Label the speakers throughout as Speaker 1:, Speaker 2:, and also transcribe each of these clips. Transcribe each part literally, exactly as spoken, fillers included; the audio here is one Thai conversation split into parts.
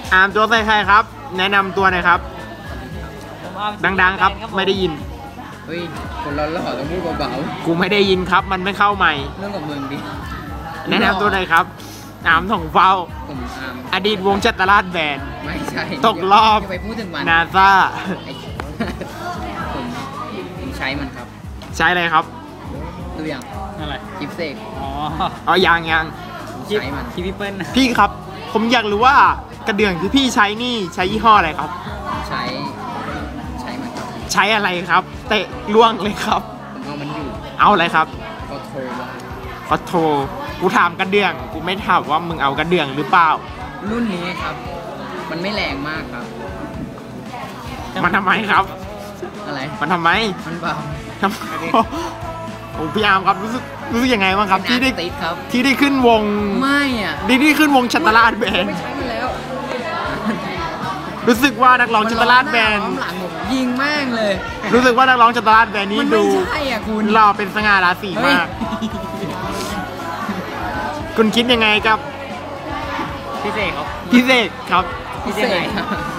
Speaker 1: อามตัวใส่ใครครับแนะนำตัวหน่อยครับดังๆครับไม่ได้ยิน
Speaker 2: เฮ้ยคนเราหล่อต้องพูดเบา
Speaker 1: ๆกูไม่ได้ยินครับมันไม่เข้าใหม่
Speaker 2: เรื่องกับมึงดิ
Speaker 1: แนะนำตัวหน่อยครับอามถงเฝ้า
Speaker 2: ผมอาม
Speaker 1: อดีตวงจัตราชแบน
Speaker 2: ไม่ใช่
Speaker 1: ตกรอบ
Speaker 2: ไปพูดถึงมัน
Speaker 1: นาซา
Speaker 2: ผมผมใช้มันครับ
Speaker 1: ใช้อะไรครับ
Speaker 2: ตัวอย่าง
Speaker 3: อะไร
Speaker 2: กิฟเซก
Speaker 3: อ๋อ
Speaker 1: อ๋อยังยัง
Speaker 2: ใช้มัน
Speaker 3: คิปเปิล
Speaker 1: พี่ครับผมอยากรู้ว่ากระเดื่องที่พี่ใช้นี่ใช้ยี่ห้ออะไรครับ
Speaker 2: ใช้ใช้มันครับ
Speaker 1: ใช้อะไรครับเตะล่วงเลยครับ
Speaker 2: ผมเอามันอยู่
Speaker 1: เอาอะไรครับ
Speaker 2: ก็โทรมา
Speaker 1: ขอโทรกูถามกระเดื่องกูไม่ถามว่ามึงเอากระเดื่องหรือเปล่า
Speaker 2: รุ่นนี้ครับมันไม่แรงมากครับ
Speaker 1: มันทำไมครับ
Speaker 2: อะไร
Speaker 1: มันทำไม
Speaker 2: มันเบา
Speaker 1: ทำโอ้พี่อาร์มครับรู้สึกรู้สึกยังไงบ้างครับที่ได้ที่ได้ขึ้นวง
Speaker 2: ไม่อ่ะ
Speaker 1: ที่ได้ขึ้นวงชัตตราชแบน
Speaker 2: ไม่ใช้มาแล้ว
Speaker 1: รู้สึกว่านักร้องชัตตราชแบน
Speaker 2: หลังผมยิงแม่งเลย
Speaker 1: รู้สึกว่านักร้องชัตตราชแบนนี้ดูหล่อเป็นสง่าราศีมากคุณคิดยังไงครับ
Speaker 3: พี่เสกครับ
Speaker 1: พี่เสกครับ
Speaker 2: พี่เสก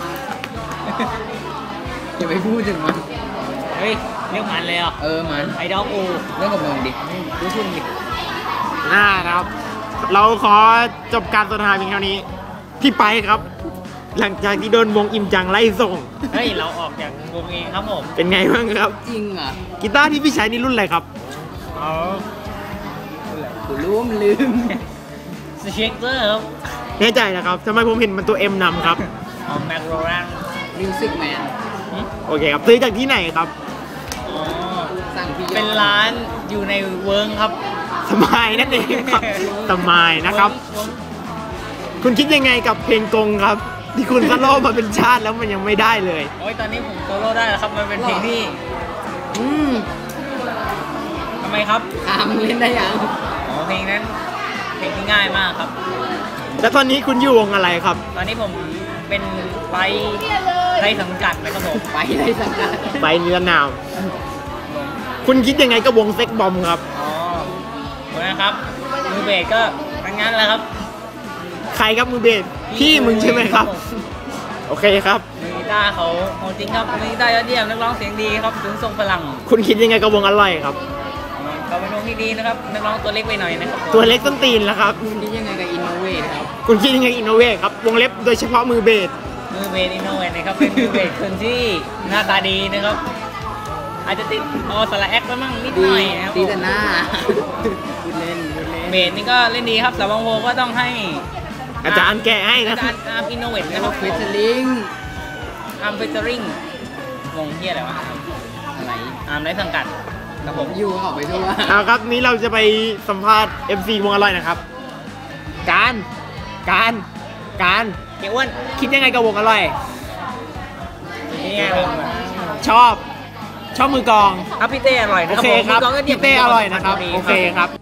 Speaker 2: อย่าไปพูดถึงมัน
Speaker 3: เฮ้ยเรียกมันเลยอ่ะ
Speaker 2: เออมัน
Speaker 3: ไอดอลกู
Speaker 2: เรื่องกับมึงดิรู้คุณดิ
Speaker 1: อ่าครับเราขอจบการสนทนาเพียงเท่านี้พี่ไปครับหลังจากที่โดนวงอิมจังไล่ส่ง
Speaker 3: เฮ้ยเราออกจากวงเองครับผม
Speaker 1: เป็นไงบ้างครับ
Speaker 2: จริงอ่ะ
Speaker 1: กีตาร์ที่พี่ใช้นี่รุ่นอะไรครับ
Speaker 3: อ๋อ
Speaker 2: กูรู้มันลืม
Speaker 3: สเช็คเกอร์ครับ
Speaker 1: แน่ใจนะครับทำไมผมเห็นมันตัวเอ็มนำครับ
Speaker 3: อ๋อแมคโรแรน
Speaker 2: มิวสิกแมน
Speaker 1: โอเคครับซื้อจากที่ไหนครับ
Speaker 3: อ๋อเป็นร้านอยู่ในเวิร์กครับ
Speaker 1: สมายนั่นเองครับสมายนะครับคุณคิดยังไงกับเพลงกงครับที่คุณโซโล่มาเป็นชาติแล้วมันยังไม่ได้เลย
Speaker 3: โอ้ยตอนนี้ผมโซโล่ได้แล้วครับมันเป็นเพลงที่
Speaker 2: อืม
Speaker 3: ทำไมครับ
Speaker 2: อามเล่นได้ยัง
Speaker 3: อ๋อเพลงนั้นเพลงที่ง่ายมากครับ
Speaker 1: แล้วตอนนี้คุณอยู่วงอะไรครับ
Speaker 3: ตอนนี้ผมเป็นไปไรสังกัดนะครับผม
Speaker 2: ไปไรสังกัด
Speaker 1: ไปเนื้อนาวคุณคิดยังไงกับวงเซ็กบอมครับ
Speaker 3: อ๋อนะครับมือเบสก็ทั้งนั้นแหละครับ
Speaker 1: ใครครับมือเบสพี่มึงใช่ไหมครับโอเคครับ
Speaker 3: มือกีตาร์เขาของจริงครับมือกีตาร์ยอดเยี่ยมนักร้องเสียงดีครับถึงทรงพลัง
Speaker 1: คุณคิดยังไงกับวงอร่อยครับ
Speaker 3: เขาเป็นวงที่ดีนะครับนักร้องตัวเล็กไปหน่อยนะครับ
Speaker 1: ตัวเล็กต้นตีนแล้วครับ
Speaker 2: คุณคิดยังไงกับอินโนเวทครับ
Speaker 1: คุณคิดยังไงอินโนเวทครับวงเล็บโดยเฉพาะมือเบส
Speaker 3: มือเบสอินโนเวทนะครับเป็นมือเบสคนที่หน้าตาดีนะครับอาจจะติดออสระแอคไปมั่งนิดหน่อยนะครับ
Speaker 2: ตีแต่หน้าพูดเล่นพูดเล่น
Speaker 3: เบสนี่ก็เล่นดีครับสาวบางโพก็ต้องให้
Speaker 1: อาจารย์แกะให้นะ
Speaker 3: อาจารย์อาร์มอินโนเวทนะครับ
Speaker 2: เฟเจอริง
Speaker 3: อาร์มเฟเจอริงวงเฮียอะไรวะ
Speaker 2: อะไร
Speaker 3: อาร์มได้สังกัดครับผม
Speaker 2: อยู่ออกไปทั่ว
Speaker 1: เอาครับนี้เราจะไปสัมภาษณ์ เอ็ม ซี วงอร่อยนะครับการการการ
Speaker 3: เกี่ยวอ้วน
Speaker 1: คิดยังไงกับวงอร่อย
Speaker 3: นี่ไงครับ
Speaker 1: ชอบชอบมือกอง
Speaker 3: ครับพี่เต้อร่อยนะ
Speaker 1: โอเคครับพี่เต้อร่อยนะครับโอเคครับ